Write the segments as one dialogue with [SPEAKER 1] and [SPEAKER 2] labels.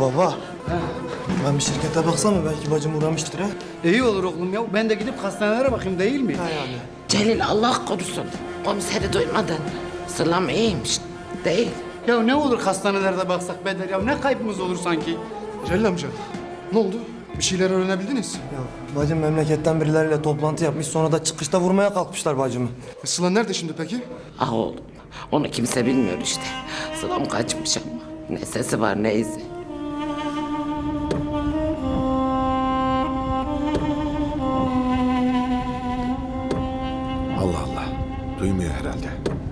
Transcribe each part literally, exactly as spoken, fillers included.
[SPEAKER 1] Baba. Ben bir şirkete baksam mı? Belki bacım uğramıştır ha.
[SPEAKER 2] İyi olur oğlum ya. Ben de gidip hastanelere bakayım değil mi?
[SPEAKER 1] Ha yani.
[SPEAKER 3] Celil Allah korusun. Komiseri duymadın. Sılam iyiymiş. Değil.
[SPEAKER 2] Ya ne olur hastanelerde baksak Beder ya. Ne kaybımız olur sanki?
[SPEAKER 4] Celil amca, ne oldu? Bir şeyler öğrenebildiniz.
[SPEAKER 1] Ya bacım memleketten birileriyle toplantı yapmış. Sonra da çıkışta vurmaya kalkmışlar bacımı.
[SPEAKER 4] E, Sıla nerede şimdi peki?
[SPEAKER 3] Ah oğlum. Onu kimse bilmiyor işte. Sılam kaçmış ama. Ne sesi var ne izi.
[SPEAKER 5] Allah Allah. Duymuyor herhalde.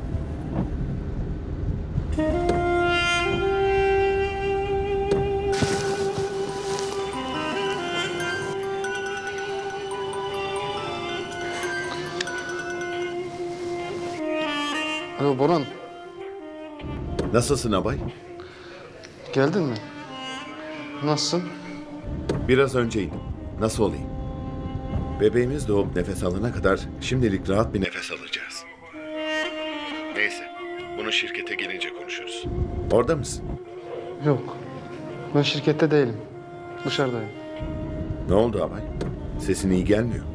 [SPEAKER 4] Alo Boran,
[SPEAKER 5] Nasılsın abay?
[SPEAKER 4] geldin mi? Nasılsın?
[SPEAKER 5] Biraz önce indim. Nasıl olayım? Bebeğimiz doğup nefes alana kadar şimdilik rahat bir nefes alacağız. Neyse. Bunu şirkete gelince konuşuruz. Orada mısın?
[SPEAKER 4] Yok, ben şirkette değilim. Dışarıdayım.
[SPEAKER 5] Ne oldu abay? Sesin iyi gelmiyor.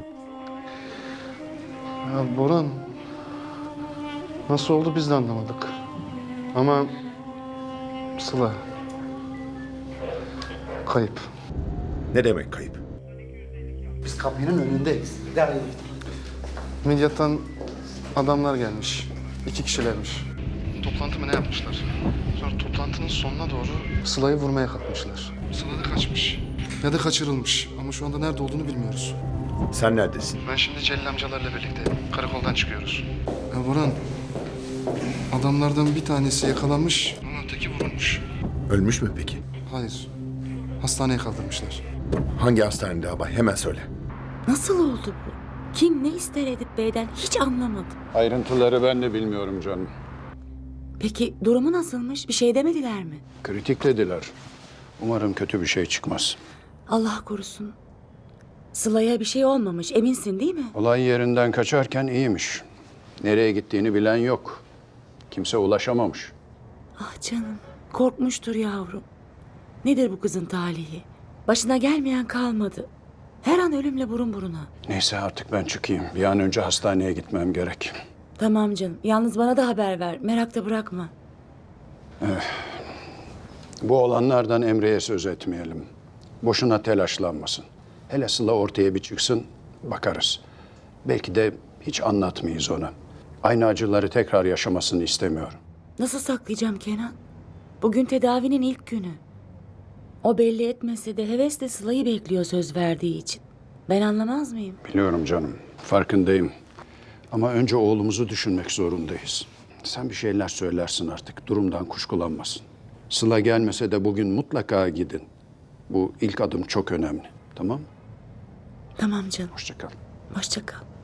[SPEAKER 4] Ya Boran, nasıl oldu biz de anlamadık. Ama Sıla kayıp.
[SPEAKER 5] Ne demek kayıp?
[SPEAKER 2] Biz kapının önündeyiz. Gel.
[SPEAKER 4] Midyat'tan adamlar gelmiş. İki kişilermiş. Toplantı mı ne yapmışlar? Sonra toplantının sonuna doğru Sıla'yı vurmaya kalkmışlar. Sıla da kaçmış. Ya da kaçırılmış. Ama şu anda nerede olduğunu bilmiyoruz.
[SPEAKER 5] Sen neredesin?
[SPEAKER 4] Ben şimdi Celil amcalarla birlikteyim. Karakoldan çıkıyoruz. Ya Boran, adamlardan bir tanesi yakalanmış ama öteki vurulmuş.
[SPEAKER 5] Ölmüş mü peki?
[SPEAKER 4] Hayır, hastaneye kaldırmışlar.
[SPEAKER 5] Hangi hastanede abay? Hemen söyle.
[SPEAKER 6] Nasıl oldu bu? Kim ne ister Edip Bey'den hiç anlamadım.
[SPEAKER 7] Ayrıntıları ben de bilmiyorum canım.
[SPEAKER 6] Peki durumu nasılmış? Bir şey demediler mi?
[SPEAKER 7] Kritik dediler. Umarım kötü bir şey çıkmaz.
[SPEAKER 6] Allah korusun. Sıla'ya bir şey olmamış, eminsin değil mi?
[SPEAKER 7] Olay yerinden kaçarken iyiymiş. Nereye gittiğini bilen yok. Kimse ulaşamamış.
[SPEAKER 6] Ah canım, korkmuştur yavrum. Nedir bu kızın talihi? Başına gelmeyen kalmadı. Her an ölümle burun buruna.
[SPEAKER 7] Neyse artık ben çıkayım. Bir an önce hastaneye gitmem gerek.
[SPEAKER 6] Tamam canım, yalnız bana da haber ver. Merakta bırakma.
[SPEAKER 7] Bu olanlardan Emre'ye söz etmeyelim. Boşuna telaşlanmasın. Hele Sıla ortaya bir çıksın, bakarız. Belki de hiç anlatmayız ona. Aynı acıları tekrar yaşamasını istemiyorum.
[SPEAKER 6] Nasıl saklayacağım Kenan? Bugün tedavinin ilk günü. O belli etmese de hevesle Sıla'yı bekliyor söz verdiği için. Ben anlamaz mıyım?
[SPEAKER 7] Biliyorum canım, farkındayım. Ama önce oğlumuzu düşünmek zorundayız. Sen bir şeyler söylersin artık, durumdan kuşkulanmasın. Sıla gelmese de bugün mutlaka gidin. Bu ilk adım çok önemli, tamam mı?
[SPEAKER 6] Tamam canım,
[SPEAKER 7] Hoşça kal.
[SPEAKER 6] hoşça kal.